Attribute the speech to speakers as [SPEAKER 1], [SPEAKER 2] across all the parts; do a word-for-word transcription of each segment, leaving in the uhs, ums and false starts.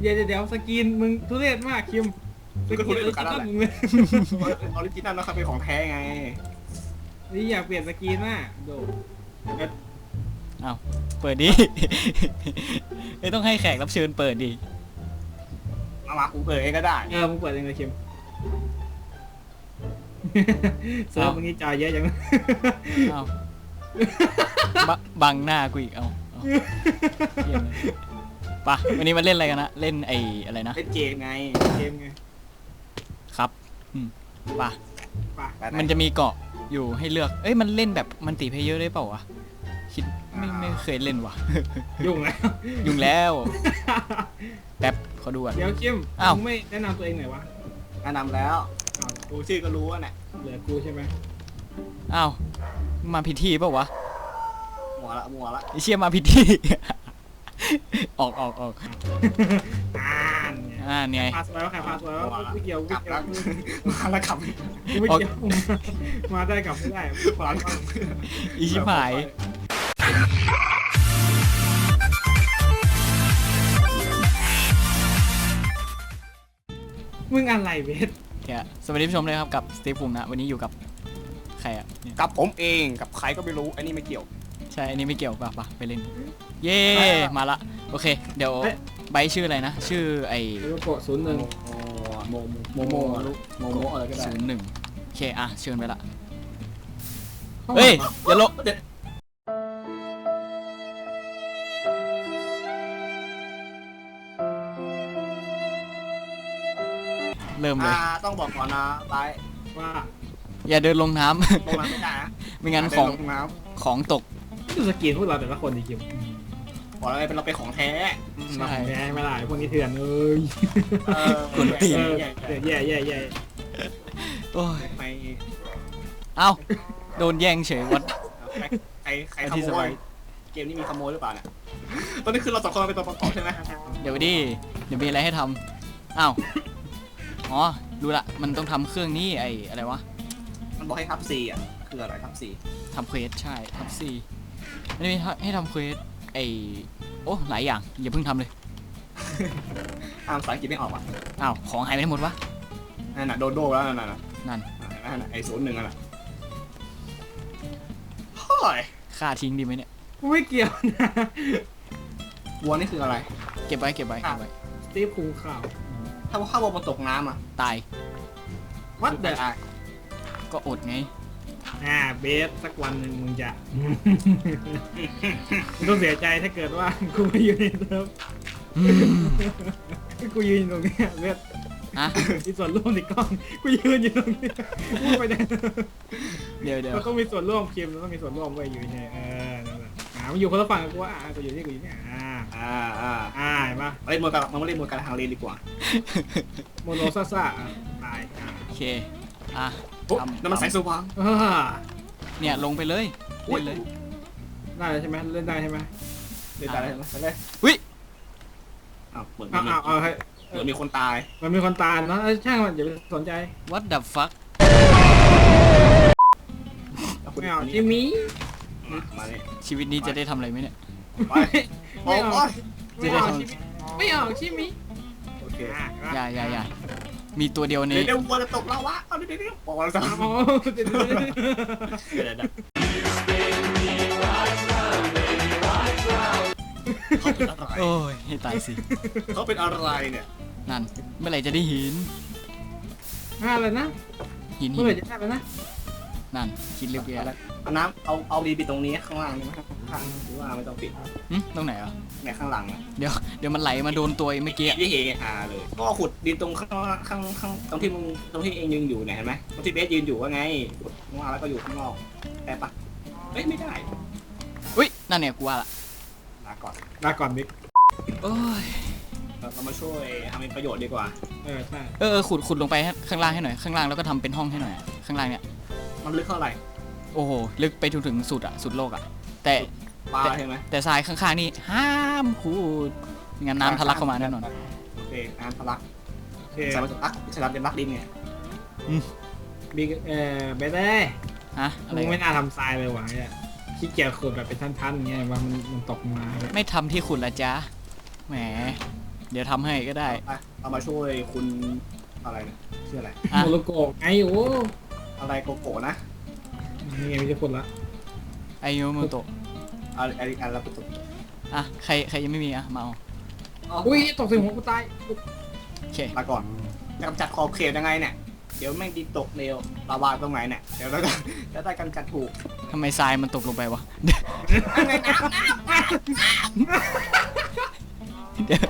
[SPEAKER 1] ดี๋ยวเดี๋ยวสกินมึงทุเรศมากคิมสกินออริจินอลมึงเลย
[SPEAKER 2] ออริจินัลนะครับเป็นของแท้ไง
[SPEAKER 1] นี่อยากเปลี่ยนสกินมากโด
[SPEAKER 3] อ้าวเปิดดิไม่ต้องให้แขกรับเชิญเปิดดิ
[SPEAKER 2] มามากูเปิดเองก็ได้
[SPEAKER 1] เออมึงเปิดเองเลยคิมเซิร์ฟมึงนี่จอยเยอะจัง
[SPEAKER 3] อ้าวบังหน้ากูอีกเอาปะวันนี้มาเล่นอะไรกันนะเล่นไอ้อะไรนะ
[SPEAKER 2] เล่นเกมไง
[SPEAKER 1] เกมไง
[SPEAKER 3] ครับปะ
[SPEAKER 1] ปะ
[SPEAKER 3] มันจะมีเกาะอยู่ให้เลือกเอ้ยมันเล่นแบบมันตีเพลเยอร์ได้เปล่าวะคิดไม่ไม่เคยเล่นวะ
[SPEAKER 1] ยุ่งแล้ว
[SPEAKER 3] ยุ่งแล้วแป๊บเขาดูอ่ะ
[SPEAKER 1] เดี๋ยวคิม
[SPEAKER 3] อ้าว
[SPEAKER 1] ไม่แนะนำตัวเองหน่อยวะ
[SPEAKER 2] แนะนำแล้วกูชื่อก็รู้ว่าเนี่ย
[SPEAKER 1] เหลือกูใช่ไหม
[SPEAKER 3] อ้าวมาพิธีเปล่าวะ
[SPEAKER 2] มัวละมัวละ
[SPEAKER 3] ไอเชี่ยมาพิธีออกออกออก
[SPEAKER 1] อ่าน
[SPEAKER 3] อ่าเนี่ย
[SPEAKER 1] พาสไว้ว่าใครพาสไว้ว่าไม่เกี่ยว
[SPEAKER 2] กลับแล้วมาแล้วกลับ
[SPEAKER 1] ไม่เกี่ยวมาได้กลับไม่ได้
[SPEAKER 2] ขวาน
[SPEAKER 3] อีชิบหาย
[SPEAKER 1] มึงอะไรเบส
[SPEAKER 3] เนี่ยสวัสดีผู้ชมเลยครับกับสตีฟภูมินะวันนี้อยู่กับใครอ่ะ
[SPEAKER 2] กับผมเองกับใครก็ไม่รู้อันนี้ไม่เกี่ยว
[SPEAKER 3] ใช่อันนี้ไม่เกี่ยวป่ะป่ะไปเล่นเย่มาละโอเคเดี๋ยวใบชื่ออะไรนะชื่อไอ้
[SPEAKER 1] โลโก้ศูนย์หนึ่ง
[SPEAKER 2] โมโมโมโมโมอะไรก็ได้
[SPEAKER 3] ศูนย์หนึ่งโอเคอ่ะเชิญไปละเฮ้ยอย่าลบเริ่มเลย
[SPEAKER 2] ต้องบอกก่อนนะไป
[SPEAKER 1] ว่า
[SPEAKER 3] อย่าเดินลงน้
[SPEAKER 2] ำลงน้ำไม่ได้นะ
[SPEAKER 3] ไม่งั้นของของตก
[SPEAKER 1] ดูสกินพวกเราแต่ละคนดิคิม
[SPEAKER 2] บอกอะไรเป็นเราเป็นของแท้
[SPEAKER 1] ใช่แท้ไม่ได้พวกนี้เถื่อนเลย
[SPEAKER 3] คนตีน
[SPEAKER 1] แย่แย่แย่
[SPEAKER 3] โอ้ย
[SPEAKER 2] ไป
[SPEAKER 3] เอ้าโดนแย่งเฉยวัด
[SPEAKER 2] ใครใครขโมยเกมนี้มีขโมยหรือเปล่าเนี่ยตอนนี้คือเราสองคนเป็นตัวประกอบใช่ไหม
[SPEAKER 3] เดี๋ยวดิเดี๋ยวมีอะไรให้ทำอ้าวอ๋อรู้ละมันต้องทำเครื่องนี้ไอ้อะไรวะ
[SPEAKER 2] มันบอกให้ทับซีอ่ะคืออะไรทับซี
[SPEAKER 3] ทำเควสใช่ทับซีมันมีให้ทำเควสไอ้โอ้หลายอย่างอย่าเพิ่งทำเลย
[SPEAKER 2] อ่านภาษาอังกฤษไม่ออกอ่ะ
[SPEAKER 3] อ้าวของหายไปหมดวะ
[SPEAKER 2] นั่นน่ะโดนโดแล้วนั่นน่ะ
[SPEAKER 3] นั่น
[SPEAKER 2] นั่นไอ้ศูนย์หนึ่งอ่ะเฮ้ย
[SPEAKER 3] ฆ่าทิ้งดีไหมเนี่ย
[SPEAKER 1] ไม่เกี่ยวนะ
[SPEAKER 2] วัวนี่คืออะไร
[SPEAKER 3] เก็บไว้เก็บไว้เก็บไว้
[SPEAKER 1] สตีฟภูข่าว
[SPEAKER 2] ถ้าว่าข้าววัวมันตกน้ำอ่ะ
[SPEAKER 3] ตาย
[SPEAKER 1] วัดเดอ
[SPEAKER 3] ก็อดไง
[SPEAKER 1] อ่าเบสสักวันหนึ่งมึงจะมึงต้องเสียใจถ้าเกิดว่ากูไม่อยู่ในเซิร์ฟกูยืนตรงนี้เบส
[SPEAKER 3] อะ
[SPEAKER 1] มีส่วนร่วมในกล้องกูยืนอยู่ตรงนี้พูดไปได้
[SPEAKER 3] เดี๋ยวเดี๋ยว
[SPEAKER 1] เราต้องมีส่วนร่วมคิมเราต้องมีส่วนร่วมไว้อยู่ในเออนั่นแหละอ่ามันอยู่คนละฝั่งกับกูว่าอ่ากูอยู่นี่กูอยู่นี่อ่า
[SPEAKER 2] อ่าอ่า
[SPEAKER 1] อ่าเห็นปะ
[SPEAKER 2] เล่นมวยกันมันไม่เล่นมวยกันทางเลนดีกว่า
[SPEAKER 1] โมโนซ่าซ่าตาย
[SPEAKER 3] โอเคอ่ะ
[SPEAKER 2] น้ำมันใสสว่าง
[SPEAKER 3] เนี่ยลงไปเลยเล่นเลย
[SPEAKER 1] ได้ใช่ไหมเล่นได้ใช่ไหม
[SPEAKER 2] เล่นได้ใช่ไหมเล่น
[SPEAKER 3] วิ
[SPEAKER 2] อ้าวเหมือน
[SPEAKER 1] อ้าวอ้าวเฮ้ย
[SPEAKER 2] เหมือนมีคนตาย
[SPEAKER 1] มันมีคนตายนะช่างมันอย่าไปสนใจ
[SPEAKER 3] What the fuck
[SPEAKER 1] ไม่เอาจิมี่
[SPEAKER 2] มาเลย
[SPEAKER 3] ชีวิตนี้จะได้ทำอะไรไหมเนี่ย
[SPEAKER 1] ไม่เอาไม่เอาไม่เอาจิมี่
[SPEAKER 2] โอเค
[SPEAKER 3] อย่าอย่าอย่ามีตัวเดียวนี้
[SPEAKER 2] เดี๋ยววัวจะตกแล้ววะเอาเดี๋ยวเดี๋ยวบอกว่าจะ
[SPEAKER 3] โอ้ยให้ตายสิ
[SPEAKER 2] เขาเป็นอะไรเนี่ย
[SPEAKER 3] นั่นเมื่อไหร่จะได้หิน
[SPEAKER 1] ห้าเลยนะ
[SPEAKER 3] หิน
[SPEAKER 1] เมื่อไหร่จะได้แล้วนะ
[SPEAKER 3] นั่นคิดเรียบร้อยแล้ว
[SPEAKER 2] เอาน้ำเอาเอาดีไปตรงนี้ข้างล่างนี่ไหมข้างหรือว่าไม่ต้องปิด
[SPEAKER 3] ตรงไหนอ่ะ
[SPEAKER 2] ในข้างหลังอ่ะ
[SPEAKER 3] เดี๋ยวเดี๋ยวมันไหลมาโดนตัวเมื่อกี้
[SPEAKER 2] ที่เฮฮาเลยก็ขุดดินตรงข้างข้างข้างตรงที่มึงตรงที่เองยืนอยู่เนี่ยเห็นไหมตรงที่เบสยืนอยู่ว่าไงขุดข้างล่างแล้วก็อยู่ข้างนอกแต่ปะเฮ้ยไม่ได้
[SPEAKER 3] อุ้ยนั่นเนี่ยกูว่าละ
[SPEAKER 2] ลาก่อน
[SPEAKER 1] ลาก่อนบิ๊ก
[SPEAKER 3] โอ้ย
[SPEAKER 2] เรามาช่วยทำเป็นประโยชน์ดีกว่า
[SPEAKER 1] เออใช่
[SPEAKER 3] เออขุดขุดลงไปข้างล่างให้หน่อยข้างล่างแล้วก็ทำเป็นห้องให้หน่อยข้างล่างเนี่ย
[SPEAKER 2] มันลึกเท่าไหร่
[SPEAKER 3] โอ้โหลึกไปถึงถึงสุดอะสุดโลกอะแต่
[SPEAKER 2] ปลาใช่ไหม
[SPEAKER 3] แต่ทรายข้างๆนี่ห้ามขุดงั้นน้ำทะลักเข้ามาแน่นอน
[SPEAKER 2] โอเคน้ำทะลักสารจะรักสารจะรักดินเนี่ย
[SPEAKER 1] บิ๊กเออเบสได้
[SPEAKER 3] ฮะอะไร
[SPEAKER 1] ไม่น่าทำทรายเลยว่ะเนี่ยขี้เกียจขุดแบบเป็นท่านๆเงี้ยว่ามันมันตกมา
[SPEAKER 3] ไม่ทำที่ขุดละจ๊ะแหมเดี๋ยวทำให้ก็ได้
[SPEAKER 2] ไปเอามาช่วยคุณอะไรนะชื่ออะไร
[SPEAKER 3] อ่ะ
[SPEAKER 1] โมโลโกะไงโอ้
[SPEAKER 2] อะไรโกโก้นะ
[SPEAKER 1] นี่ไงไม่ใช่คนละ
[SPEAKER 3] ไอโยโมโตะ
[SPEAKER 2] อะไรอะไรอะไรประตู
[SPEAKER 3] อ่ะใครใครยังไม่มีอ่ะมาเอา
[SPEAKER 1] อุ้ยตกใส่หัวกูตาย
[SPEAKER 3] โอเค
[SPEAKER 2] ลาก่อนจะกำจัดขอบเขตยังไงเนี่ยเดี๋ยวแม่งดินตกเร็วลาวาตรงไหนเนี่ยเดี๋ยวเราจะจะได้กำจัดถูก
[SPEAKER 3] ทำไมทรายมันตกลงไปวะ
[SPEAKER 2] ยังไงน้ำน้ำ
[SPEAKER 3] เดี๋ยว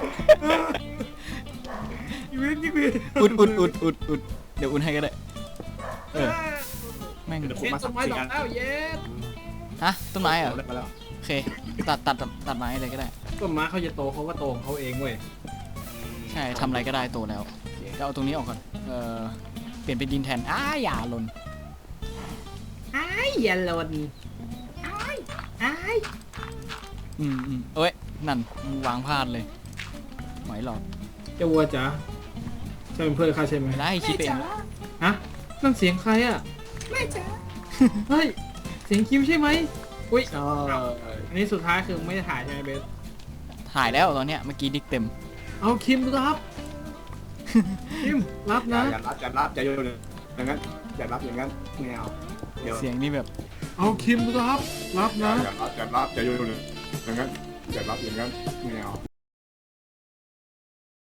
[SPEAKER 1] ชีวิตยิ่งวิน
[SPEAKER 3] อุดอุดอุดอุดอุดเดี๋ยวอุ่นให้ก็ได้ เออ แม่ง
[SPEAKER 2] เดี๋ยวผม
[SPEAKER 1] เห็น
[SPEAKER 2] มา
[SPEAKER 1] ต้
[SPEAKER 2] สั
[SPEAKER 1] น
[SPEAKER 2] ก
[SPEAKER 1] ไม้
[SPEAKER 2] สี่
[SPEAKER 1] ดอก
[SPEAKER 2] อัน
[SPEAKER 1] แล้วเย็ด
[SPEAKER 3] ฮะต้นไม้เหรอ
[SPEAKER 2] เดี๋ยวมาแล้ว
[SPEAKER 3] โอเค ตัดตัดตัดไม้เลยก็ได้
[SPEAKER 1] ต้นไม้เขาจะโตเขาก็โตของเขาเองเว้ย
[SPEAKER 3] ใช่ทำอะไรก็ได้โตแล้วก็เอาตรงนี้ออกก่อน เออเปลี่ยนเป็นดินแทน อ้าอย่าหล่น
[SPEAKER 1] ไอ้ยันลนไอ้ไอ้
[SPEAKER 3] อืมอืมเอ้ย นั่นวางพลาดเลยไหวหรอก
[SPEAKER 1] เจ้าวัวจ๋าใช่เป็นเพื่อนข้าใช่ไหม
[SPEAKER 3] ไม่ได้คิดไปเอง
[SPEAKER 1] ฮะนั่นเสียงใครอ่ะ
[SPEAKER 2] ไม่จ้า
[SPEAKER 1] เฮ้ยเสียงคิมใช่ไหมอุ้ย
[SPEAKER 2] ใช่
[SPEAKER 1] อันนี้สุดท้ายคือไม่ได้ถ่ายใช่ไหมเบส
[SPEAKER 3] ถ่ายแล้วตอนเนี้ยเมื่อกี้ดิกเต็ม
[SPEAKER 1] เอาคิมรับคิมรับ
[SPEAKER 2] อย่า
[SPEAKER 1] นะ
[SPEAKER 2] อย่ารับอย่ารับอย่าโยนอย่างนั้นอย่ารับอย่างนั้นไม่เอาเดี๋ยว
[SPEAKER 3] เสียงนี่แบบ
[SPEAKER 1] เอาคิมรับรับ
[SPEAKER 2] อย่า
[SPEAKER 1] นะ
[SPEAKER 2] อย่ารับอย่ารับอย่าโยนอย่างนั้นอย่ารับอย่างนั้นไม่เอา